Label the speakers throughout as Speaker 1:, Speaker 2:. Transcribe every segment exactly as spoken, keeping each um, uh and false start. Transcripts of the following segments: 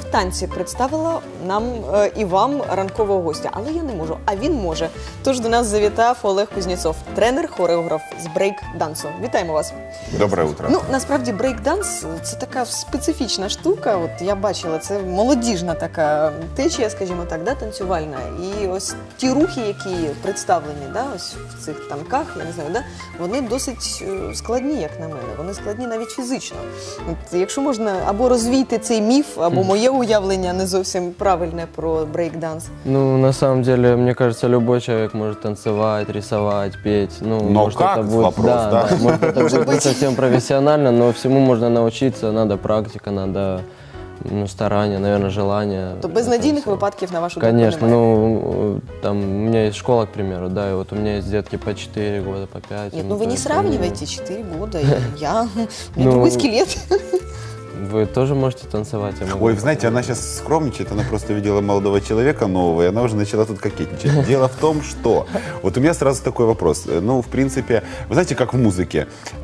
Speaker 1: танці представила нам е, і вам ранкового гостя, але я не можу, а він може. Тож до нас завітав Олег Кузнєцов, тренер-хореограф з брейк-дансу. Вітаємо вас.
Speaker 2: Доброе утро.
Speaker 1: Ну, насправді, брейк-данс – це така специфічна штука. От я бачила, це молодіжна така течія, скажімо так, да, танцювальна. І ось ті рухи, які представлені, да, ось в цих танках, я не знаю, да, вони досить складні, як на мене. Вони складні навіть фізично. От, якщо можна або розвійти цей міф, або моє уявлення не зовсім правильне про брейк-данс.
Speaker 3: Ну, на самом деле, мне кажется, любой человек может танцевать, рисовать, петь. Ну,
Speaker 2: но
Speaker 3: может,
Speaker 2: как?
Speaker 3: Это будет,
Speaker 2: Вопрос,
Speaker 3: да,
Speaker 2: да?
Speaker 3: да, может, это будет не совсем профессионально, но всему можно научиться, надо практика, надо ну, старание, наверное, желание.
Speaker 1: То безнадійних
Speaker 3: Это всё.
Speaker 1: випадків, на вашу думку,
Speaker 3: Конечно,
Speaker 1: немає?
Speaker 3: ну, там, у меня есть школа, к примеру, да, и вот у меня есть детки по четыре года, по пять.
Speaker 1: Нет, ну вы
Speaker 3: то
Speaker 1: не
Speaker 3: есть
Speaker 1: сравнивайте, четыре года, и я, у меня
Speaker 3: Ну,
Speaker 1: другой скелет.
Speaker 3: Вы тоже можете танцевать, я могу.
Speaker 2: Ой, вы знаете, она сейчас скромничает, она просто видела молодого человека нового, и она уже начала тут кокетничать. Дело в том, что... Вот у меня сразу такой вопрос. Ну, в принципе, вы знаете, как в музыке,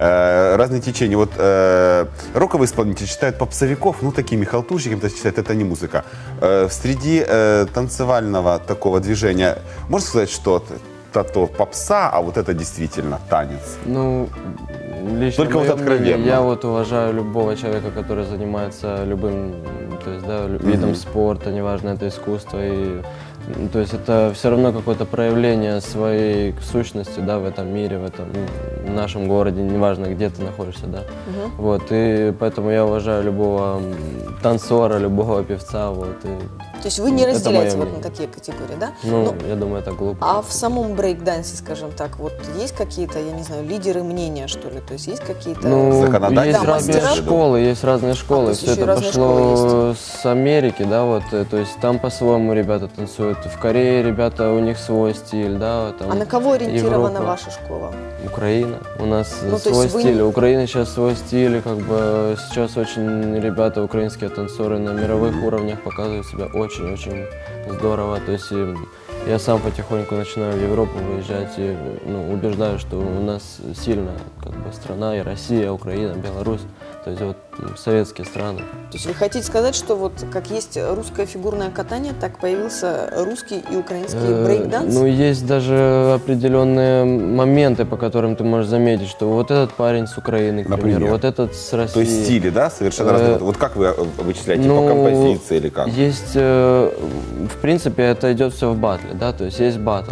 Speaker 2: э, разные течения. Вот э, роковые исполнители считают попсовиков, ну, такими халтурщиками, то есть считают, это не музыка. Э, среди э, танцевального такого движения, можно сказать, что это то попса, а вот это действительно танец?
Speaker 3: Ну, лично
Speaker 2: Только вот
Speaker 3: мое мнение,
Speaker 2: откровенно.
Speaker 3: я вот уважаю любого человека, который занимается любым, то есть, да, лю- видом
Speaker 2: Мгм.
Speaker 3: спорта, неважно, это искусство, и, ну, то есть это все равно какое-то проявление своей сущности, да, в этом мире, в этом, ну, в нашем городе, неважно, где ты находишься, да. Вот, и поэтому я уважаю любого м, танцора, любого певца, вот, и,
Speaker 1: То есть вы не
Speaker 3: Это
Speaker 1: разделяете
Speaker 3: мое
Speaker 1: вот на
Speaker 3: мнение.
Speaker 1: такие категории, да?
Speaker 3: ну, я думаю, это глупо.
Speaker 1: А в самом брейк-дансе, скажем так, вот есть какие-то, я не знаю, лидеры мнения, что ли? То есть есть какие-то...
Speaker 3: Ну,
Speaker 2: законодательные
Speaker 3: есть
Speaker 1: Да,
Speaker 3: разные
Speaker 1: мастера.
Speaker 3: школы, есть разные школы.
Speaker 1: то есть
Speaker 3: Все
Speaker 1: еще и
Speaker 3: это
Speaker 1: разные
Speaker 3: пошло
Speaker 1: школы
Speaker 3: с Америки, да, вот, э, то есть там по-своему ребята танцуют. В Корее ребята, у них свой стиль, да, там.
Speaker 1: А на кого ориентирована
Speaker 3: Европа.
Speaker 1: ваша школа?
Speaker 3: Украина. У нас э,
Speaker 1: Ну, то
Speaker 3: свой
Speaker 1: есть вы
Speaker 3: стиль.
Speaker 1: не-
Speaker 3: У Украины сейчас свой стиль, и как бы сейчас очень ребята, украинские танцоры на мировых уровнях показывают себя очень-очень здорово. То есть и я сам потихоньку начинаю в Европу выезжать и ну, убеждаю, что у нас сильная как бы страна, и Россия, Украина, Беларусь, то есть вот м, советские страны.
Speaker 1: То есть вы хотите сказать, что вот как есть русское фигурное катание, так появился русский и украинский
Speaker 3: Э,
Speaker 1: брейк-данс?
Speaker 3: Ну, есть даже определенные моменты, по которым ты можешь заметить, что вот этот парень с Украины, к примеру,
Speaker 2: Например?
Speaker 3: вот этот с России.
Speaker 2: То есть стили, да, совершенно
Speaker 3: Э,
Speaker 2: разные. Вот как вы э, вычисляете,
Speaker 3: ну,
Speaker 2: по композиции или как?
Speaker 3: Есть, э, в принципе, это идет все в батле, да, то есть есть батл.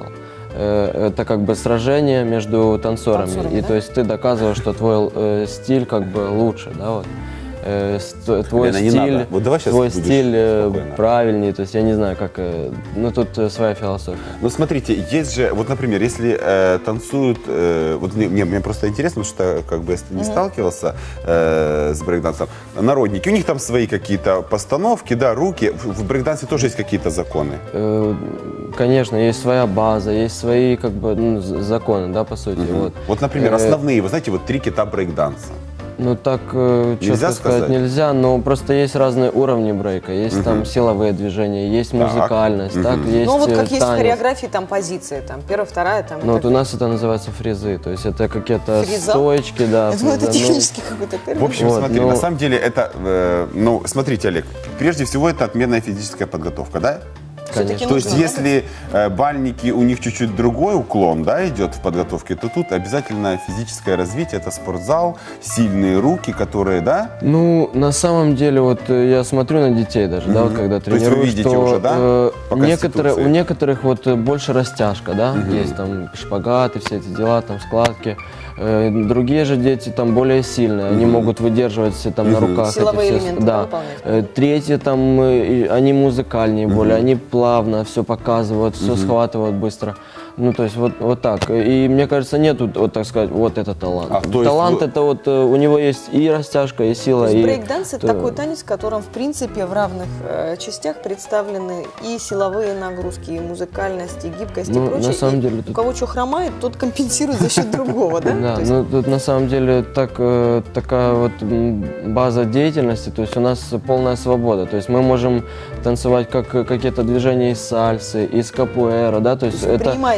Speaker 3: Э, Это как бы сражение между танцорами,
Speaker 1: Танцорами,
Speaker 3: и
Speaker 1: да?
Speaker 3: то есть ты доказываешь, что твой э, стиль как бы лучше, да, вот. Э, ст- Твой
Speaker 2: Лена, не
Speaker 3: стиль,
Speaker 2: надо. Вот давай щас
Speaker 3: твой
Speaker 2: будешь
Speaker 3: стиль э,
Speaker 2: спокойно.
Speaker 3: правильнее, то есть я не знаю, как, э, ну тут э, своя философия.
Speaker 2: Ну, смотрите, есть же, вот, например, если э, танцуют, э, вот мне, мне, мне просто интересно, потому что, как бы, если ты не сталкивался э, с брейкдансом, народники, у них там свои какие-то постановки, да, руки, в, в брейкдансе тоже есть какие-то законы.
Speaker 3: Э, Конечно, есть своя база, есть свои как бы ну, з- законы, да, по сути.
Speaker 2: Мгм.
Speaker 3: Вот.
Speaker 2: Вот, например,
Speaker 3: Э,
Speaker 2: основные, вы знаете, вот три кита брейкданса.
Speaker 3: Ну так э, четко
Speaker 2: Нельзя
Speaker 3: сказать
Speaker 2: сказать?
Speaker 3: нельзя, но просто есть разные уровни брейка. Есть там силовые движения, есть
Speaker 2: Так.
Speaker 3: музыкальность, так,
Speaker 2: Мгм.
Speaker 3: есть
Speaker 1: Ну вот
Speaker 3: э,
Speaker 1: как есть в
Speaker 3: танец.
Speaker 1: хореографии, там позиции, там первая, вторая, там... и
Speaker 3: Ну вот
Speaker 1: так
Speaker 3: у нас это называется фризы, то есть это какие-то
Speaker 1: Фриза?
Speaker 3: стойки, да.
Speaker 1: Я думаю, это
Speaker 3: фриза, ну,
Speaker 1: технический какой-то термин.
Speaker 2: В общем,
Speaker 3: Вот,
Speaker 2: смотри,
Speaker 3: ну-
Speaker 2: на самом деле это, э, ну, смотрите, Олег, прежде всего это отменная физическая подготовка, да?
Speaker 1: Всё-таки
Speaker 3: конечно.
Speaker 2: То есть,
Speaker 1: нужно,
Speaker 2: если э, бальники, у них чуть-чуть другой уклон, да, идет в подготовке, то тут обязательно физическое развитие, это спортзал, сильные руки, которые, да?
Speaker 3: Ну, на самом деле, вот э, я смотрю на детей даже, да, вот
Speaker 2: Мгм.
Speaker 3: когда
Speaker 2: То есть вы
Speaker 3: тренирую,
Speaker 2: видите
Speaker 3: что
Speaker 2: уже, да,
Speaker 3: э,
Speaker 2: по
Speaker 3: некоторые,
Speaker 2: конституции?
Speaker 3: у некоторых вот э, больше растяжка, да, есть там шпагаты, все эти дела, там складки. Э, Другие же дети там более сильные, они могут выдерживать все там на
Speaker 2: Мгм.
Speaker 3: руках. эти
Speaker 1: Силовые
Speaker 3: все-
Speaker 1: элементы, да,
Speaker 3: да.
Speaker 1: выполнять.
Speaker 3: Э, Третьи там, э, и они музыкальнее более, они плавно все показывают, все схватывают быстро. Ну, то есть вот, вот так. И мне кажется, нету, вот так сказать, вот это талант.
Speaker 2: А, то есть
Speaker 3: талант
Speaker 2: вы-
Speaker 3: это вот, э, у него есть и растяжка, и сила,
Speaker 1: То есть
Speaker 3: и...
Speaker 1: брейк-данс – это
Speaker 3: то-
Speaker 1: такой танец, в котором, в принципе, в равных э, частях представлены и силовые нагрузки, и музыкальность, и гибкость,
Speaker 3: Ну,
Speaker 1: и прочее.
Speaker 3: на самом
Speaker 1: И
Speaker 3: деле
Speaker 1: у
Speaker 3: тут-
Speaker 1: кого что хромает, тот компенсирует за счет другого, да?
Speaker 3: Да,
Speaker 1: То есть
Speaker 3: ну тут на самом деле так, э, такая вот м, база деятельности, то есть у нас полная свобода, то есть мы можем танцевать как э, какие-то движения из сальсы, из капуэра, да, то есть
Speaker 1: То есть вы
Speaker 3: это
Speaker 1: принимаете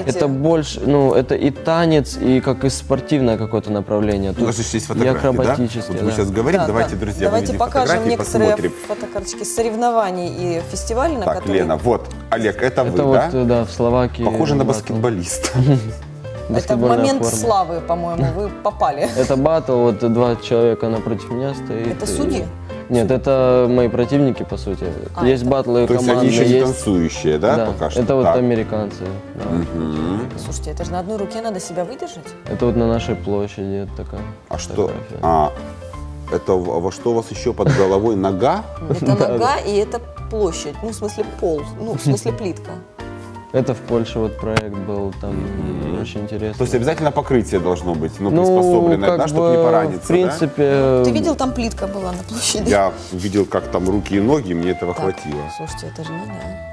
Speaker 1: выступаете?
Speaker 3: Это больше, ну, это и танец, и как и спортивное какое-то направление.
Speaker 2: У нас
Speaker 3: Тут
Speaker 2: же есть
Speaker 3: и
Speaker 2: фотографии, да?
Speaker 3: акробатические,
Speaker 2: Вот мы
Speaker 3: да.
Speaker 2: сейчас говорим,
Speaker 1: Да,
Speaker 2: давайте,
Speaker 1: да.
Speaker 2: друзья,
Speaker 1: Давайте
Speaker 2: выведем
Speaker 1: покажем
Speaker 2: фотографии,
Speaker 1: некоторые
Speaker 2: посмотрим.
Speaker 1: фотокарточки соревнований и фестивалей, на
Speaker 2: Так,
Speaker 1: которые...
Speaker 2: Лена, вот, Олег, это,
Speaker 3: Это
Speaker 2: вы,
Speaker 3: вот,
Speaker 2: да?
Speaker 3: да, в Словакии.
Speaker 2: Похоже на
Speaker 3: батл.
Speaker 2: баскетболиста.
Speaker 1: Это
Speaker 3: Баскетбольная
Speaker 1: момент
Speaker 3: форма.
Speaker 1: славы, по-моему, вы попали.
Speaker 3: Это батл, вот два человека напротив меня стоит.
Speaker 1: Это
Speaker 3: и-
Speaker 1: судьи?
Speaker 3: Нет, это мои противники, по сути.
Speaker 1: А,
Speaker 3: Есть
Speaker 1: это-
Speaker 3: батлы
Speaker 2: То есть
Speaker 3: командные,
Speaker 2: они еще не
Speaker 3: есть...
Speaker 2: танцующие, да, пока что?
Speaker 3: это вот
Speaker 2: Так.
Speaker 3: американцы. да.
Speaker 2: Мгм.
Speaker 1: Слушайте, это же на одной руке надо себя выдержать.
Speaker 3: Это вот на нашей площади такая
Speaker 2: А что?
Speaker 3: фотография.
Speaker 2: А, это во во что у вас еще под головой? Нога?
Speaker 1: Это нога и это площадь, ну, в смысле пол, ну, в смысле плитка.
Speaker 3: Это в Польше вот проект был, там очень интересно.
Speaker 2: То есть обязательно покрытие должно быть, ну, приспособленное,
Speaker 3: как
Speaker 2: да, чтобы
Speaker 3: бы,
Speaker 2: не пораниться,
Speaker 3: в принципе...
Speaker 1: Ты видел, там плитка была на площади?
Speaker 2: да? Я видел, как там руки и ноги, мне этого
Speaker 1: Так,
Speaker 2: хватило.
Speaker 1: Слушайте, это же надо,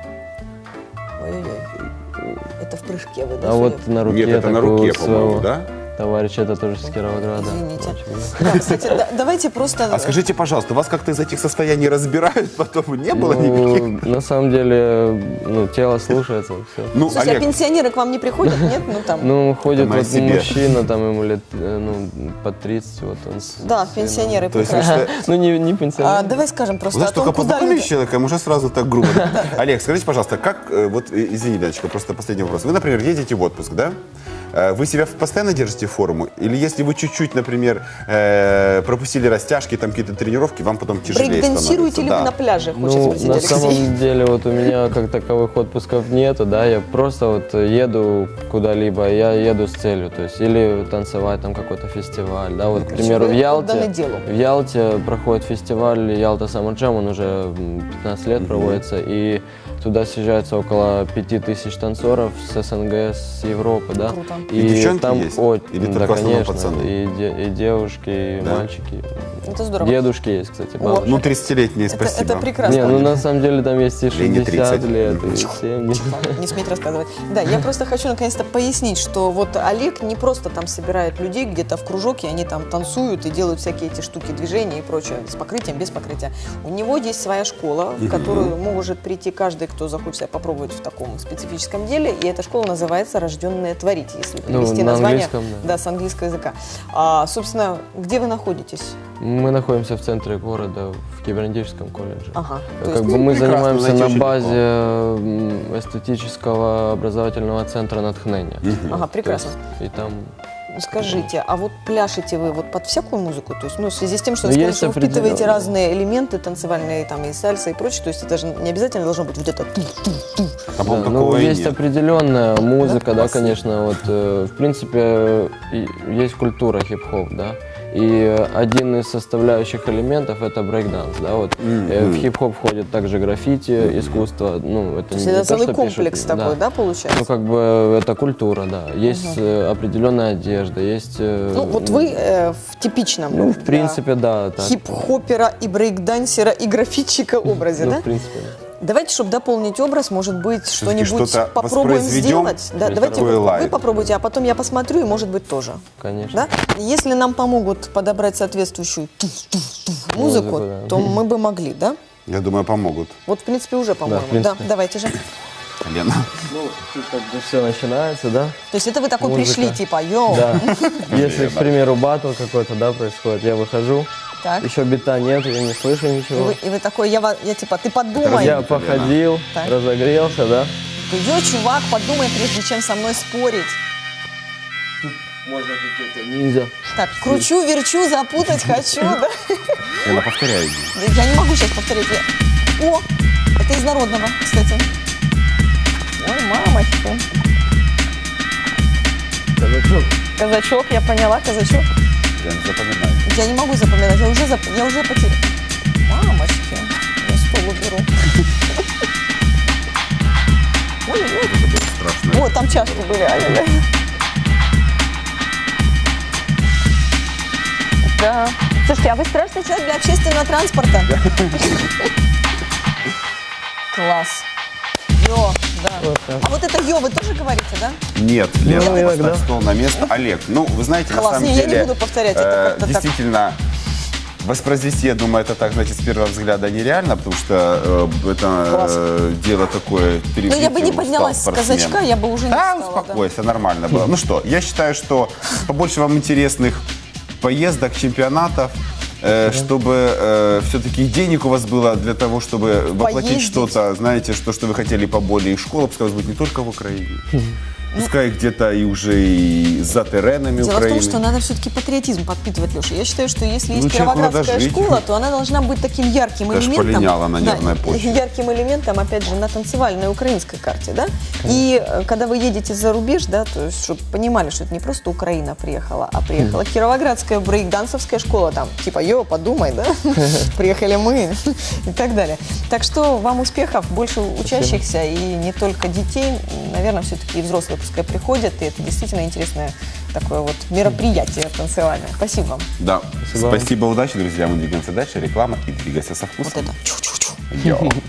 Speaker 1: а? Ой-ой-ой. Это в прыжке вы, да,
Speaker 3: А
Speaker 1: судя
Speaker 3: вот на руке
Speaker 2: Нет, это на
Speaker 3: такого
Speaker 2: руке,
Speaker 3: своего
Speaker 2: по-моему, да?
Speaker 3: товарища, это тоже с Кировограда.
Speaker 1: Извините.
Speaker 3: Очень.
Speaker 1: Да, кстати, да- давайте просто...
Speaker 2: А скажите, пожалуйста, вас как-то из этих состояний разбирают, потом не было никаких?
Speaker 3: Ну, на самом деле, ну, тело слушается, все.
Speaker 2: Ну,
Speaker 1: Слушайте, а
Speaker 2: Олег,
Speaker 1: пенсионеры к вам не приходят, нет? Ну, там...
Speaker 3: Ну, ходит
Speaker 2: моя
Speaker 3: вот
Speaker 2: себе.
Speaker 3: мужчина, там ему лет, э, ну, под тридцать, вот он. с-
Speaker 1: Да,
Speaker 3: с сыном.
Speaker 1: пенсионеры
Speaker 2: то есть вы
Speaker 1: прекрасно.
Speaker 2: что-
Speaker 3: Ну, не, не пенсионер.
Speaker 1: А, давай скажем просто
Speaker 2: Вы
Speaker 1: о
Speaker 2: знаете,
Speaker 1: том,
Speaker 2: только
Speaker 1: куда
Speaker 2: познакомились
Speaker 1: люди...
Speaker 2: с человеком, уже сразу так грубо. Олег, скажите, пожалуйста, как, э, вот, э, извини, Леночка, просто последний вопрос. Вы, например, едете в отпуск, да? Э, Вы себя постоянно держите в форму? Или если вы чуть-чуть, например, э, пропустили растяжки, там какие-то тренировки, вам потом тяжелее
Speaker 1: Брейк-дансируете
Speaker 2: становится?
Speaker 1: ли
Speaker 2: Да.
Speaker 1: вы на пляже, хочется
Speaker 3: Ну,
Speaker 1: спросить,
Speaker 3: на
Speaker 1: Алексей?
Speaker 3: самом деле, вот у меня как таковых отпусков нету, да, я просто вот еду куда-либо, я еду с целью, то есть или танцевать там какой-то фестиваль, да, вот, к примеру, в
Speaker 1: вы отданы
Speaker 3: Ялте,
Speaker 1: делу.
Speaker 3: в Ялте проходит фестиваль Ялта Summer Jam, он уже м, пятнадцать лет проводится, и туда съезжается около пяти тысяч танцоров с СНГ, с Европы, да.
Speaker 1: Круто.
Speaker 2: И девчонки
Speaker 3: там
Speaker 2: есть?
Speaker 3: о-
Speaker 2: Или
Speaker 3: да,
Speaker 2: только в основном
Speaker 3: конечно,
Speaker 2: пацаны?
Speaker 3: и, де- и девушки, и
Speaker 2: Да?
Speaker 3: мальчики.
Speaker 1: Это здорово.
Speaker 3: Дедушки есть, кстати,
Speaker 1: О,
Speaker 3: бабушки.
Speaker 2: Ну, тридцатилетние,
Speaker 1: Это,
Speaker 2: спасибо.
Speaker 1: это прекрасно.
Speaker 3: Не, ну на самом деле там есть и
Speaker 2: Лене
Speaker 3: шестьдесят
Speaker 2: тридцать.
Speaker 3: лет, и семьдесят.
Speaker 1: Не сметь рассказывать. Да, я просто хочу наконец-то пояснить, что вот Олег не просто там собирает людей где-то в кружок, и они там танцуют и делают всякие эти штуки, движения и прочее, с покрытием, без покрытия. У него есть своя школа, в которую может прийти каждый, кто захочет себя попробовать в таком специфическом деле, и эта школа называется «Рожденные творить», если
Speaker 3: Ну,
Speaker 1: перевести
Speaker 3: на
Speaker 1: название
Speaker 3: английском, да.
Speaker 1: да, с английского языка. А, собственно, где вы находитесь?
Speaker 3: Мы находимся в центре города, в Кибернетическом колледже.
Speaker 1: Ага. То
Speaker 3: Как
Speaker 1: есть,
Speaker 3: бы мы
Speaker 2: прекрасно,
Speaker 3: занимаемся
Speaker 2: знаете,
Speaker 3: на
Speaker 2: очень
Speaker 3: базе м, эстетического образовательного центра «Натхнение».
Speaker 1: Ага,
Speaker 3: То
Speaker 1: прекрасно.
Speaker 3: есть, и там
Speaker 1: Скажите, а вот пляшете вы вот под всякую музыку? То есть, ну, в связи с тем, что
Speaker 3: Ну,
Speaker 1: вы сказали,
Speaker 3: есть
Speaker 1: что вы впитываете
Speaker 3: определенные.
Speaker 1: разные элементы танцевальные, там, и сальса, и прочее, то есть это же не обязательно должно быть вот это ту-ту-ту.
Speaker 2: А, по-моему,
Speaker 3: да, ну,
Speaker 2: такого и
Speaker 3: есть
Speaker 2: нет.
Speaker 3: определенная музыка, да,
Speaker 2: Классно.
Speaker 3: конечно. Вот, э, в принципе, и- есть культура хип-хоп, да. И э, один из составляющих элементов это брейк-данс, да. Вот, э, в хип-хоп входит также граффити, искусство. Ну, это
Speaker 1: То есть
Speaker 3: не
Speaker 1: это
Speaker 3: то,
Speaker 1: целый
Speaker 3: что
Speaker 1: комплекс
Speaker 3: пишут,
Speaker 1: такой, да,
Speaker 3: Ну,
Speaker 1: получается?
Speaker 3: как бы это культура, да. Есть э, определенная одежда, есть. э,
Speaker 1: Ну, вот вы э, в типичном
Speaker 3: Ну, в
Speaker 1: для
Speaker 3: принципе, да. Так.
Speaker 1: хип-хопера и брейк-дансера и граффитчика образе,
Speaker 3: Ну,
Speaker 1: да?
Speaker 3: в принципе, да.
Speaker 1: Давайте, чтобы дополнить образ, может быть,
Speaker 2: Всё-таки
Speaker 1: что-нибудь
Speaker 2: что-то
Speaker 1: попробуем
Speaker 2: воспроизведем?
Speaker 1: сделать. Да,
Speaker 3: Есть
Speaker 1: давайте
Speaker 2: такой
Speaker 1: вы,
Speaker 2: лайв.
Speaker 1: вы попробуйте, а потом я посмотрю, и, может быть, тоже.
Speaker 3: Конечно.
Speaker 1: Да? Если нам помогут подобрать соответствующую туф-туф-туф музыку,
Speaker 3: Музыку, да.
Speaker 1: то мы бы могли, да?
Speaker 2: Я думаю, помогут.
Speaker 1: Вот, в принципе, уже, по-моему.
Speaker 3: в принципе.
Speaker 1: Да, давайте же.
Speaker 2: Лена.
Speaker 3: Ну, тут как бы все начинается, да?
Speaker 1: То есть это вы такой
Speaker 3: Музыка.
Speaker 1: пришли, типа, йоу.
Speaker 3: Да. Если, к примеру, батл какой-то, да, происходит, я выхожу,
Speaker 1: Так.
Speaker 3: еще бита нет, я не слышу
Speaker 1: И
Speaker 3: ничего.
Speaker 1: вы, и вы такой, я, ва- я типа, ты подумай.
Speaker 3: Я походил,
Speaker 1: Так.
Speaker 3: разогрелся, да.
Speaker 1: Ты, йо, чувак, подумай, прежде чем со мной спорить.
Speaker 3: Можно какие-то ниндзя.
Speaker 1: Так, кручу, верчу, запутать хочу, да?
Speaker 2: Лена, повторяй.
Speaker 1: Я не могу сейчас повторить. Я- О, это из народного, кстати. Ой, мамочка.
Speaker 3: Казачок.
Speaker 1: Казачок, я поняла, казачок.
Speaker 2: Лена, запоминай.
Speaker 1: Я не могу запоминать, я уже, зап... я уже потеряла. Мамочки, я стол уберу. Ой, ой,
Speaker 2: Это было страшно.
Speaker 1: ой, там чашки были, ай-яй-яй. Да. Слушайте, а вы страшный человек для общественного транспорта? Класс. Йо, да.
Speaker 3: Вот так.
Speaker 1: А вот это йо вы тоже говорите, да?
Speaker 2: Нет, Лена,
Speaker 3: Ну, иногда.
Speaker 2: поставь стол на место. Олег, ну, вы знаете,
Speaker 1: Класс.
Speaker 2: на самом
Speaker 1: Не, я не
Speaker 2: деле,
Speaker 1: буду повторять, это
Speaker 2: э,
Speaker 1: как-то так.
Speaker 2: действительно, воспроизвести, я думаю, это так, значит, с первого взгляда нереально, потому что э, это э, дело такое...
Speaker 1: Ну, я бы не поднялась с казачка, я бы уже не
Speaker 2: Да,
Speaker 1: встала.
Speaker 2: успокойся, да. Нормально было. Ну что, я считаю, что побольше вам интересных поездок, чемпионатов, э, чтобы э, все-таки денег у вас было для того, чтобы воплотить
Speaker 1: Поездить.
Speaker 2: что-то, знаете, что, что вы хотели поболее. И школа, пускай у вас будет не только в Украине. Пускай где-то и уже и за теренами
Speaker 1: Дело
Speaker 2: Украины.
Speaker 1: в том, что надо все-таки патриотизм подпитывать, Леша. Я считаю, что если есть
Speaker 2: Ну, человеку надо
Speaker 1: кировоградская
Speaker 2: жить.
Speaker 1: школа, то она должна быть таким ярким
Speaker 2: Даже
Speaker 1: элементом.
Speaker 2: полиняла на нервной почве.
Speaker 1: Ярким элементом, опять же, на танцевальной украинской карте, да? И э, когда вы едете за рубеж, да, то есть, чтобы понимали, что это не просто Украина приехала, а приехала кировоградская брейк-дансовская школа, там, типа, йо, подумай, да? Приехали мы и так далее. Так что вам успехов, больше учащихся и не только детей, наверное, все-таки и взрослые пускай приходят, и это действительно интересное такое вот мероприятие танцевальное. Спасибо вам.
Speaker 2: Да.
Speaker 3: Спасибо.
Speaker 2: Спасибо, удачи, друзья. Мы двигаемся дальше. Реклама и двигайся со вкусом.
Speaker 1: Вот это. Чу-чу-чу.
Speaker 2: Йо.